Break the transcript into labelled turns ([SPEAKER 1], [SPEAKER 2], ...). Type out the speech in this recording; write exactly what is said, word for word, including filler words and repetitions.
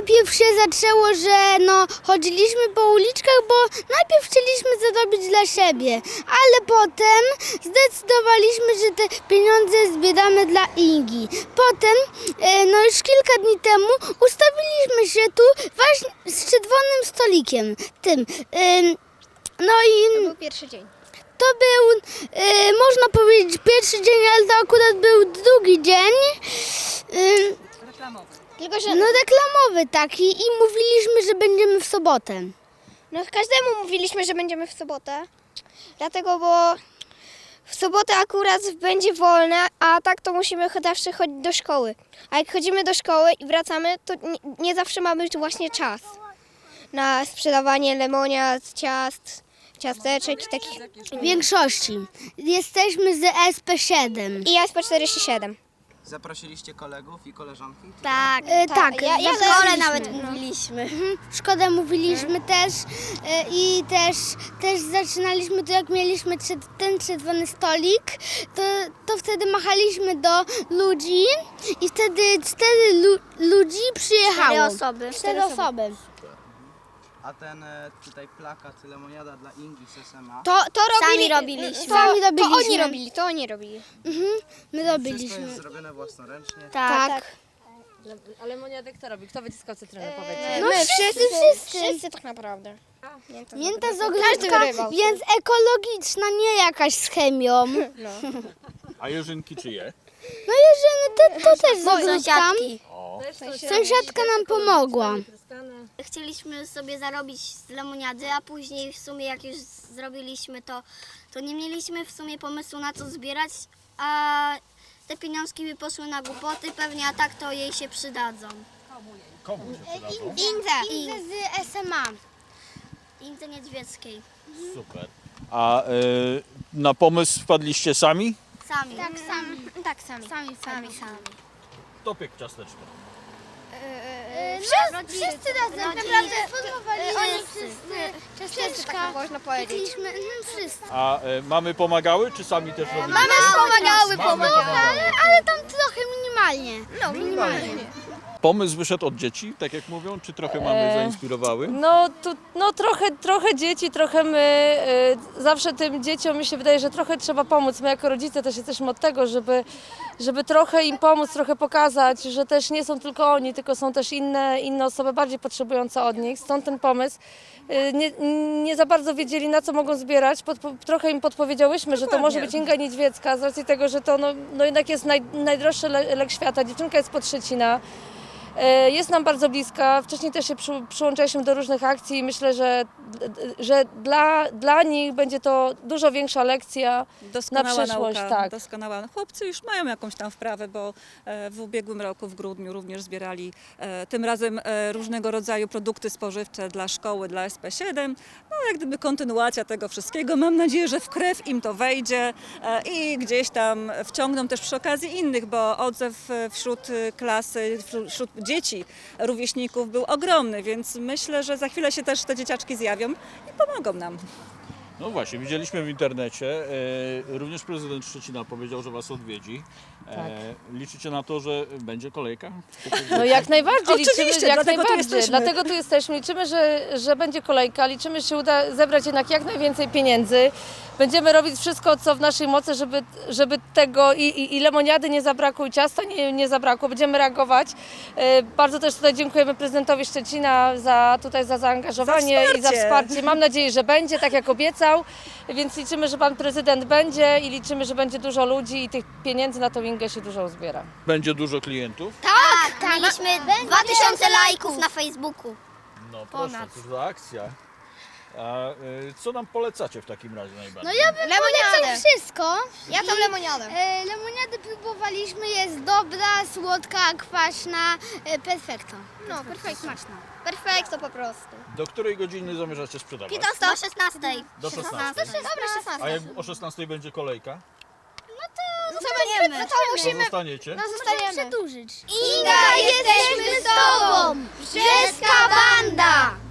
[SPEAKER 1] najpierw się zaczęło, że no chodziliśmy po uliczkach, bo najpierw chcieliśmy zarobić dla siebie, ale potem zdecydowaliśmy, że te pieniądze zbieramy dla Ingi. Potem, e, no już kilka dni temu ustawiliśmy się tu właśnie z czerwonym stolikiem, tym. E, no i...
[SPEAKER 2] To był pierwszy dzień.
[SPEAKER 1] To był, e, można powiedzieć, pierwszy dzień, ale to akurat był drugi dzień. E,
[SPEAKER 3] Reklamowy.
[SPEAKER 2] Tylko, że
[SPEAKER 1] no reklamowy taki i mówiliśmy, że będziemy w sobotę.
[SPEAKER 2] no, każdemu mówiliśmy, że będziemy w sobotę. Dlatego, bo w sobotę akurat będzie wolne, a tak to musimy zawsze chodzić do szkoły. A jak chodzimy do szkoły i wracamy, to nie, nie zawsze mamy właśnie czas na sprzedawanie lemoniad, ciast, ciasteczek i takich.
[SPEAKER 1] W większości. Jesteśmy z S P siedem.
[SPEAKER 2] I ja S P czterdzieści siedem.
[SPEAKER 4] Zaprosiliście kolegów i koleżanki?
[SPEAKER 1] Tak, e, tak.
[SPEAKER 2] ja- ja
[SPEAKER 1] w
[SPEAKER 2] też
[SPEAKER 1] szkole
[SPEAKER 2] mówiliśmy.
[SPEAKER 1] nawet mówiliśmy. Mhm, w szkole mówiliśmy też e, i też, też zaczynaliśmy to, jak mieliśmy trze- ten czerwony stolik, to, to wtedy machaliśmy do ludzi i wtedy cztery lu- ludzi przyjechało.
[SPEAKER 2] Cztery osoby.
[SPEAKER 1] Cztery osoby.
[SPEAKER 4] A ten e, tutaj plakat lemoniada dla Ingi z S M A.
[SPEAKER 2] To, to robili,
[SPEAKER 1] Sami robiliśmy.
[SPEAKER 2] To,
[SPEAKER 1] Sami
[SPEAKER 2] To
[SPEAKER 1] robiliśmy.
[SPEAKER 2] oni robili, to oni robili.
[SPEAKER 1] Mhm, my
[SPEAKER 4] Wszystko
[SPEAKER 1] robiliśmy.
[SPEAKER 4] jest zrobione własnoręcznie.
[SPEAKER 1] Tak.
[SPEAKER 3] A lemoniadę kto robi? Kto wyciskał cytrynę,
[SPEAKER 2] E,
[SPEAKER 3] powiedzcie?
[SPEAKER 1] No
[SPEAKER 2] My
[SPEAKER 1] wszyscy,
[SPEAKER 2] wszyscy,
[SPEAKER 1] wszyscy.
[SPEAKER 2] wszyscy tak naprawdę. Mięta,
[SPEAKER 1] Mięta z
[SPEAKER 2] Każdy
[SPEAKER 1] ogródka,
[SPEAKER 2] wyrywał.
[SPEAKER 1] więc ekologiczna, nie jakaś z chemią.
[SPEAKER 2] No.
[SPEAKER 5] A Jerzynki czyje?
[SPEAKER 1] No Jerzyny, to, to też z ogródka.
[SPEAKER 2] Sąsiadki.
[SPEAKER 5] O,
[SPEAKER 1] Sąsiadka nam pomogła.
[SPEAKER 6] Chcieliśmy sobie zarobić z lemoniady, a później w sumie jak już zrobiliśmy to, to nie mieliśmy w sumie pomysłu na co zbierać, a te pieniążki by poszły na głupoty, pewnie a tak to jej się przydadzą.
[SPEAKER 5] komu się przydadzą?
[SPEAKER 2] Inze.
[SPEAKER 1] Inze z S M A.
[SPEAKER 6] Indze Niedźwieckiej.
[SPEAKER 5] Super. A y, na pomysł wpadliście sami?
[SPEAKER 6] Sami.
[SPEAKER 1] Tak, sami.
[SPEAKER 2] Tak, sami.
[SPEAKER 1] Sami, sami, sami.
[SPEAKER 5] Kto piekł ciasteczko?
[SPEAKER 1] Wszyscy, wszyscy razem.
[SPEAKER 6] rodzice.
[SPEAKER 1] Naprawdę formowali
[SPEAKER 2] Oni
[SPEAKER 1] wszyscy
[SPEAKER 2] Wszyscy, tak
[SPEAKER 1] ciasteczka.
[SPEAKER 2] można powiedzieć.
[SPEAKER 1] Piekliśmy, mhm, wszyscy.
[SPEAKER 5] A y, mamy pomagały, czy sami też robili?
[SPEAKER 1] Mamy
[SPEAKER 2] pomagały,
[SPEAKER 5] Mamy
[SPEAKER 1] pomagały, ale tam trochę minimalnie.
[SPEAKER 2] No, minimalnie.
[SPEAKER 5] Pomysł wyszedł od dzieci, tak jak mówią, czy trochę mamy
[SPEAKER 3] E,
[SPEAKER 5] zainspirowały?
[SPEAKER 3] No, tu, no trochę, trochę dzieci, trochę my. y, Zawsze tym dzieciom mi się wydaje, że trochę trzeba pomóc. My jako rodzice też jesteśmy od tego, żeby, żeby trochę im pomóc, trochę pokazać, że też nie są tylko oni, tylko są też inne, inne osoby bardziej potrzebujące od nich. Stąd ten pomysł. Y, Nie, nie za bardzo wiedzieli, na co mogą zbierać. Podpo, trochę im podpowiedziałyśmy, że to może być Inga Niedźwiecka, z racji tego, że to no, no jednak jest naj, najdroższy le, lek świata. Dziewczynka jest pod Szczecina. E, Jest nam bardzo bliska. Wcześniej też się przy, przyłączaliśmy do różnych akcji i myślę, że, że dla, dla nich będzie to dużo większa lekcja
[SPEAKER 7] Doskonała
[SPEAKER 3] na przyszłość.
[SPEAKER 7] nauka,
[SPEAKER 3] Tak.
[SPEAKER 7] doskonała. Chłopcy już mają jakąś tam wprawę, bo e, w ubiegłym roku, w grudniu również zbierali e, tym razem e, różnego rodzaju produkty spożywcze dla szkoły, dla S P siedem. No jak gdyby kontynuacja tego wszystkiego. Mam nadzieję, że w krew im to wejdzie e, i gdzieś tam wciągną też przy okazji innych, bo odzew e, wśród e, klasy, wśród, wśród dzieci, rówieśników był ogromny, więc myślę, że za chwilę się też te dzieciaczki zjawią i pomogą nam.
[SPEAKER 5] No właśnie, widzieliśmy w internecie, e, również prezydent Szczecina powiedział, że was odwiedzi. E, liczycie na to, że będzie kolejka?
[SPEAKER 3] No jak najbardziej
[SPEAKER 7] Oczywiście,
[SPEAKER 3] liczymy, jak
[SPEAKER 7] dlatego tu
[SPEAKER 3] najbardziej.
[SPEAKER 7] jesteśmy.
[SPEAKER 3] Dlatego tu jesteśmy. Liczymy, że, że będzie kolejka, liczymy, że się uda zebrać jednak jak najwięcej pieniędzy. Będziemy robić wszystko, co w naszej mocy, żeby, żeby tego i, i, i lemoniady nie zabrakło, i ciasta nie, nie zabrakło. Będziemy reagować. E, Bardzo też tutaj dziękujemy prezydentowi Szczecina za tutaj za zaangażowanie
[SPEAKER 7] Za
[SPEAKER 3] i za
[SPEAKER 7] wsparcie.
[SPEAKER 3] wsparcie. Mam nadzieję, że będzie, tak jak obiecał, więc liczymy, że pan prezydent będzie i liczymy, że będzie dużo ludzi i tych pieniędzy na tą Ingę się dużo uzbiera.
[SPEAKER 5] Będzie dużo klientów?
[SPEAKER 6] Tak, mieliśmy dwa tysiące lajków na Facebooku.
[SPEAKER 5] No proszę, cóż za akcja. A y, co nam polecacie w takim razie najbardziej?
[SPEAKER 1] No ja bym polecał
[SPEAKER 2] Lemoniadę.
[SPEAKER 1] wszystko.
[SPEAKER 2] Ja tą lemoniadę.
[SPEAKER 1] E, lemoniadę próbowaliśmy, jest dobra, słodka, kwaśna, e, perfekto.
[SPEAKER 2] No, perfekto.
[SPEAKER 1] Smaczna.
[SPEAKER 2] Perfekto po prostu.
[SPEAKER 5] Do której godziny zamierzacie sprzedawać?
[SPEAKER 6] Do szesnastej.
[SPEAKER 5] Do szesnastej.
[SPEAKER 2] Dobra,
[SPEAKER 5] A
[SPEAKER 2] szesnasta.
[SPEAKER 5] jak o szesnastej będzie kolejka?
[SPEAKER 2] Zostaniemy. No to
[SPEAKER 5] To
[SPEAKER 2] musimy.
[SPEAKER 5] zostaniecie?
[SPEAKER 2] No
[SPEAKER 1] Możemy
[SPEAKER 2] zostajemy.
[SPEAKER 1] przedłużyć.
[SPEAKER 2] Inga, jesteśmy z tobą! Brzeska banda!